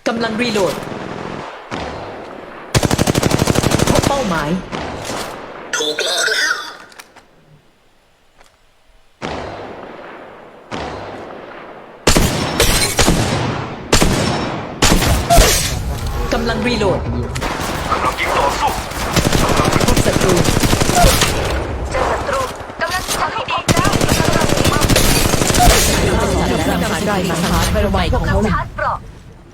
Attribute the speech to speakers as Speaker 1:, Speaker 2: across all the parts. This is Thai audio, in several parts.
Speaker 1: กำลังรีโหลดพบเป้าหมาย
Speaker 2: ถูกหลอกแล้ว
Speaker 1: กำลังรีโหลด
Speaker 2: กำลังยิงต่อสู้
Speaker 1: พบศัตรู
Speaker 3: เจอศัตรูกำลังทำให้ดีแล้ว
Speaker 1: นำหาได้มาหาใหม่ของ
Speaker 3: กำลั
Speaker 1: เขา
Speaker 3: งชาร์จเปราะ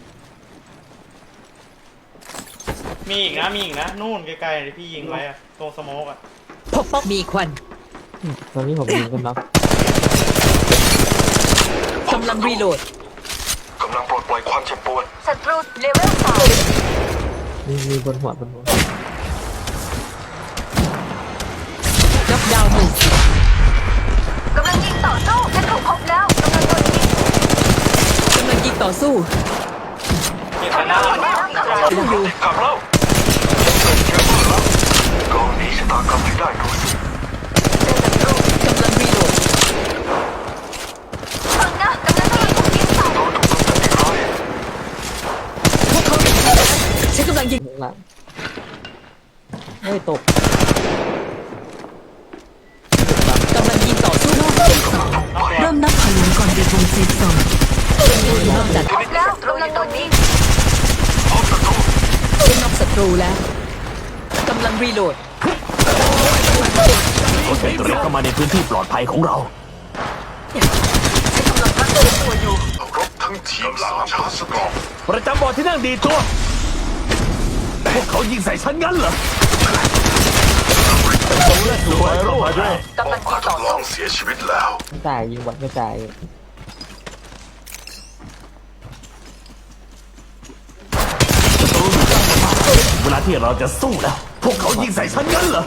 Speaker 4: มีอีกนะนู่นไกลๆที่พี่ยิงไว้อะตรงสโมกอะ
Speaker 1: พบเป้ามีควัน
Speaker 5: ตอนนี้ผมยิงกันน็อก
Speaker 1: กำลังรีโหลด
Speaker 2: กำลังปลดปล่อยความเจ็บปวด
Speaker 3: ศัตรูเลเวล3
Speaker 5: มีบนหัว
Speaker 1: น็อกดาวน์หนึ่ง
Speaker 3: กำลังยิงต่อสู้ฉันถูกพบแล้วกำลังโดนยิง
Speaker 1: กำลังยิงต่อสู้
Speaker 4: เก็บกันได้
Speaker 1: สู้อยู่
Speaker 2: กลับแล้วกองนี้ชะตากรรมให้ได้ดูสิ
Speaker 3: เจอศัตรู
Speaker 1: กำลังรีโหลด
Speaker 3: ฟังนะกำลังถูกยิงใส่
Speaker 2: โดนถูกกำจัดอีกร้อย
Speaker 1: พวกเขาฉันกำลังยิง
Speaker 5: ข้างหลังไม่ตก
Speaker 1: กำลังยิงต่อสู้
Speaker 6: เริ่มนับถอยหลังก่อนบีบวงเซฟโซน
Speaker 1: นอกจาก
Speaker 3: พบแล้วกำลังโดนยิง
Speaker 2: พบศัตรู
Speaker 1: เป็นนอกศัตรูแล้วกำลังรีโหลด
Speaker 2: คนเป็นเรียกเข้ามาในพื้นที่ปลอดภัยของเรา
Speaker 3: ฉันกำลังรักษาตัวอยู่
Speaker 2: รบทั้งทีมสามชาร์จสกอร์
Speaker 7: ประจำบอร์ดที่นั่งดีตัว พวกเขายิงใส่ฉันงั้นเหรอสวยรูปด้วย
Speaker 3: กำลังยิงต่อ
Speaker 2: ลอ
Speaker 3: สู้
Speaker 2: งเสียชีวิตแล้ว
Speaker 5: ไม่ตายยิงวัดไม่ตาย
Speaker 7: เวลาที่เราจะสู้แล้ว พวกเขายิงใส่ฉันงั้นเหรอ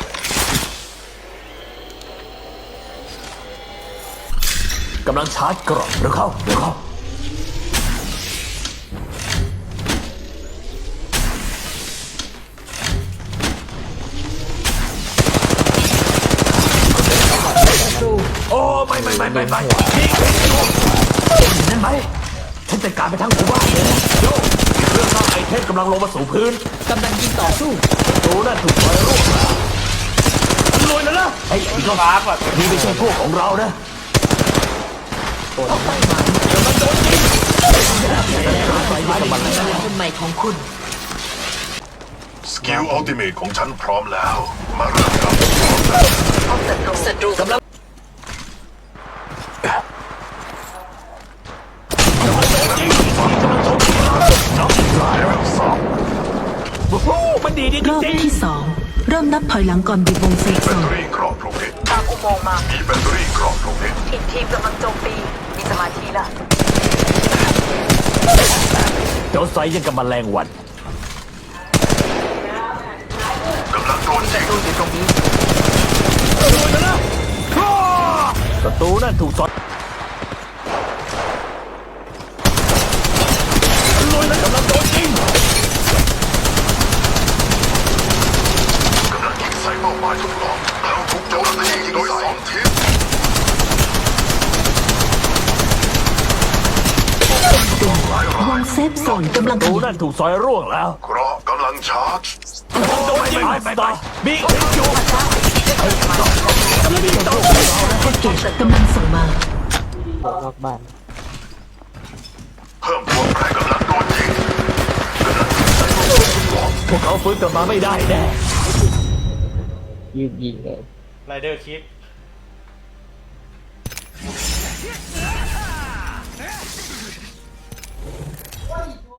Speaker 7: กำลังชาร์จกรอบเร็วเข้า โอ้ไม่ยิงเห็นอยู่นั่นไหมฉันจัดการไปทั้งหมู่บ้านเลยโยเรื่องสร้างไอเทมกำลังลงมาสู่พื้น
Speaker 1: กำลังยิงต่อสู้
Speaker 7: ดูนั่นถูกปล่อยรูปรวยแล้วนะไอ้นี่ก็
Speaker 4: ฟ้าก่อน
Speaker 7: นี่ไม่ใช่พวกของเรานะ
Speaker 1: คนใหม่ของคุณ
Speaker 2: สกิลอัลติเมทของฉันพร้อมแล้ว มาเริ่มกับ
Speaker 3: พบศัตรู
Speaker 1: กำลัง
Speaker 7: โอ้โหมันดีจ
Speaker 6: รอบ
Speaker 7: ริง
Speaker 6: ที่2เริ่มนับถอยหลังก่อนบีบวงเซฟ
Speaker 2: แบ
Speaker 6: โซ
Speaker 2: ต
Speaker 6: น
Speaker 2: เตอรี่กรอบโรงเรียน
Speaker 3: ตามอุโมงค์มา
Speaker 2: มีแบตเตอรี่กรอบโรงเรียน
Speaker 3: อีกทีมกำลังโจมตีมีสมาธิละ
Speaker 7: ๆเจ้าไซยังกับแมลงวัน
Speaker 2: กำลังโดนยิง
Speaker 3: ดูอยู่ตรงนี้
Speaker 7: ศัตรูนั่นถูกสอดรวยแล้วกำลังโดนยิง
Speaker 2: กำลังยิงใส่เป้าหมายทดลองเราถูกโจมตีโดยสองทีม
Speaker 6: วงเซฟโซนกำลังข
Speaker 7: ศัตรู
Speaker 6: ยับ
Speaker 7: นั่นถูกซอยร่วงแล้ว
Speaker 2: เกราะกำลังชาร์จ
Speaker 7: โดนยิงไปบิ๊กอยู่
Speaker 6: แพ็กเกจกำลังส่งมา
Speaker 5: ออกนอกบ้าน
Speaker 2: เพิ่มพวกแรงกำลังโดนยิงกำลังยิงใส่เป้าหมายทดลอง
Speaker 7: พวกเขาฟื้นกลับมาไม่ได้แน่
Speaker 5: ยืนยิงเลย
Speaker 4: ไรเดอร์คิด